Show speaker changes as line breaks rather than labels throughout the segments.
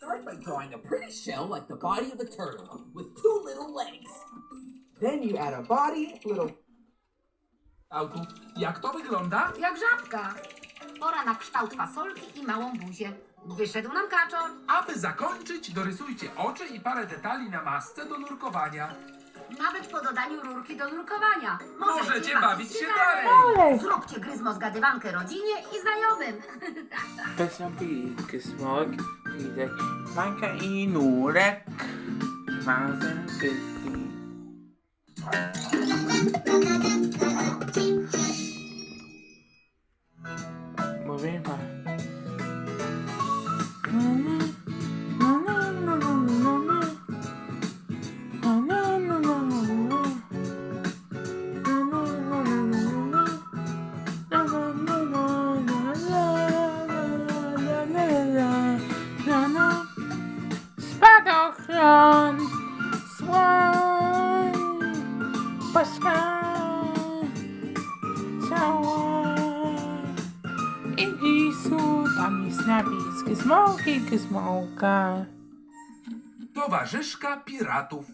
Start by drawing a pretty shell like the body of a turtle with two little legs.
Then you add a body, little...
Autu, jak to wygląda?
Jak żabka. Pora na kształt fasolki i małą buzię. Wyszedł nam kaczor.
Aby zakończyć, dorysujcie oczy i parę detali na masce do nurkowania.
Nawet po dodaniu rurki do nurkowania.
Możecie bawić się dalej.
Zróbcie gryzmo zgadywankę rodzinie i znajomym.
Piosenki Smok, Lidek, Majka i Nurek. Razem wszyscy. Mówię wam. Spadochron, słoń, paska, cała. I gisu, tam jest napis Gizmołki, Gizmołka.
Towarzyszka piratów.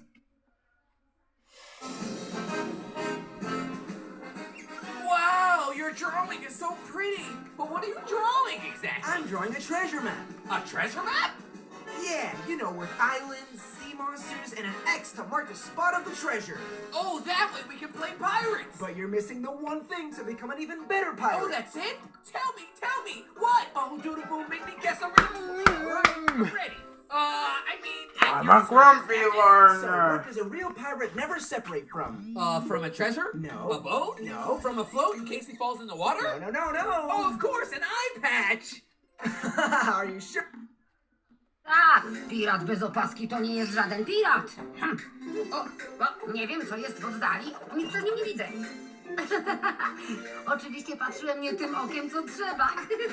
Wow, your drawing is so pretty. But what are you drawing exactly?
I'm drawing a treasure map.
A treasure map?
Yeah, you know, with islands, sea monsters, and an X to mark the spot of the treasure.
Oh, that way we can play pirates.
But you're missing the one thing to become an even better pirate.
Oh, that's it? Tell me, what? Oh, Doodle Boom, make me guess already. I'm ready. I mean, at
I'm
your
a grumpy
service,
So,
learner.
what does a real pirate never separate from?
From a treasure?
No.
A boat?
No.
From a float in case he falls in the water?
No.
Oh, of course, an eye patch.
Are you sure?
Tak, pirat bez opaski to nie jest żaden pirat. O, nie wiem, co jest w oddali. Nic z nim nie widzę. Oczywiście patrzyłem nie tym okiem, co trzeba.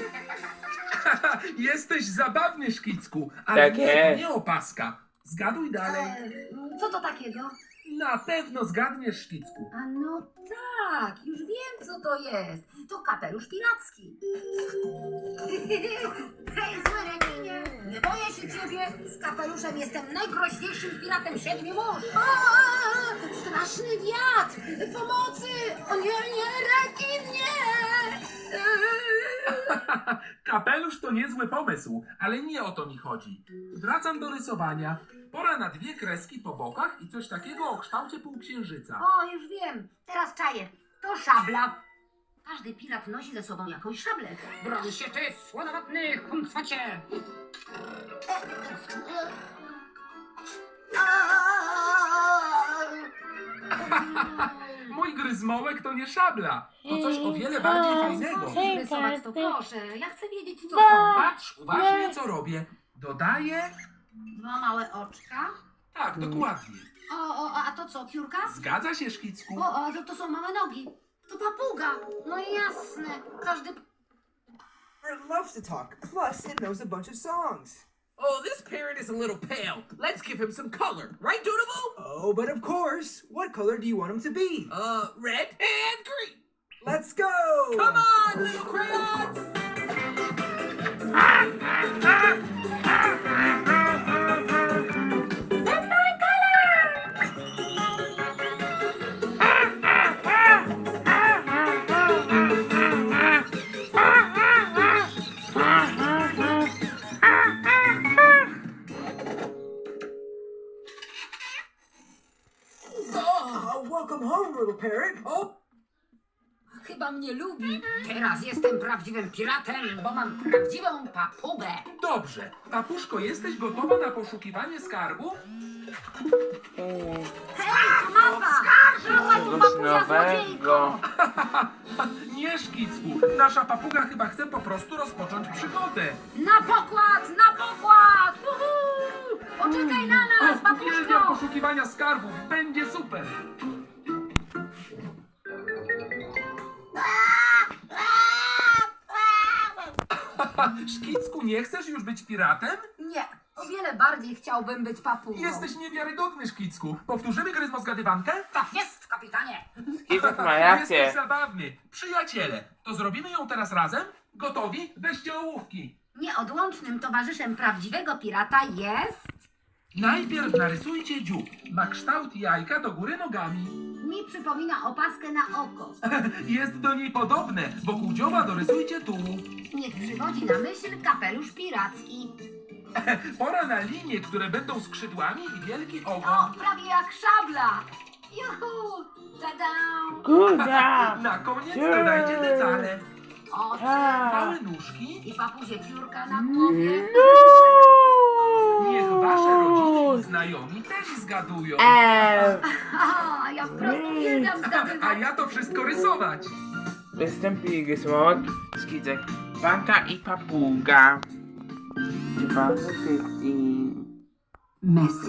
Jesteś zabawny, Szkicku, ale
Tak
nie, to
jest.
nie opaska. Zgaduj dalej.
Co to takiego?
Na pewno zgadniesz, Szkicku.
A no tak, już wiem, co to jest. To kapelusz piracki. Hej, zły rekinie, nie boję się ciebie. Z kapeluszem jestem najgroźniejszym piratem siedmiu mórz. Straszny wiatr! Pomocy! O nie, rekin, nie!
Kapelusz to niezły pomysł, ale nie o to mi chodzi. Wracam do rysowania. Pora na dwie kreski po bokach i coś takiego o kształcie półksiężyca.
O, już wiem. Teraz czaję. To szabla. Każdy pirat nosi ze sobą jakąś szablę. Broń się ty, słonowatny huncwacie!
Mój gryzmołek to nie szabla. To coś o wiele bardziej fajnego.
Chcesz rysować, to proszę. Ja chcę wiedzieć, co to.
Patrz uważnie, co robię. Dodaję...
Dwa małe oczka.
Tak, dokładnie.
A to co, piórka?
Zgadza się, Szkicku.
To są małe nogi. To papuga. No jasne. Każdy...
Pirate loves to talk. Plus, it knows a bunch of songs.
Oh, this parrot is a little pale. Let's give him some color. Right, Doodle Boom?
Oh, but of course. What color do you want him to be?
Red and green.
Let's go!
Come on, little crayons.
Welcome home, little parrot.
Oh,
Chyba mnie lubi. Teraz jestem prawdziwym piratem, bo mam prawdziwą papugę.
Dobrze. Papuszko, jesteś gotowa na poszukiwanie skarbu?
Hej, to mapa! Wracaj tu,
Coś
papuga złodziejko!
nowego.
Nie, Szkicku. Nasza papuga chyba chce po prostu rozpocząć przygodę.
Na pokład, na pokład! Uhu! Poczekaj na nas,
Uwielbiam
papuszko!
poszukiwania skarbów. Będzie super. Szkicku, nie chcesz już być piratem?
Nie, o wiele bardziej chciałbym być papugą.
Jesteś niewiarygodny, Szkicku. Powtórzymy gryzmo zgadywankę?
Tak jest, kapitanie!
Skipek ma rację.
Jesteś zabawny. Przyjaciele, to zrobimy ją teraz razem? Gotowi? Weźcie ołówki.
Nieodłącznym towarzyszem prawdziwego pirata jest...
Najpierw narysujcie dziób. Ma kształt jajka do góry nogami.
Mi przypomina opaskę na oko.
Jest do niej podobne. Wokół dzioba dorysujcie tułów.
Niech przywodzi na myśl kapelusz piracki.
Pora na linie, które będą skrzydłami i wielki
O,
ogon.
prawie jak szabla. Juhu! Tada!
Good job.
Na koniec dodajcie detale.
Oczy
Małe nóżki.
i papuzie piórka na głowie.
Niech wasze rodziny i znajomi też zgadują.
A, ja wprost uwielbiam
A
zgadywać.
ja to wszystko rysować.
Występuje Gizmok, Skizek, Banka i Papuga. 2015.
Messi.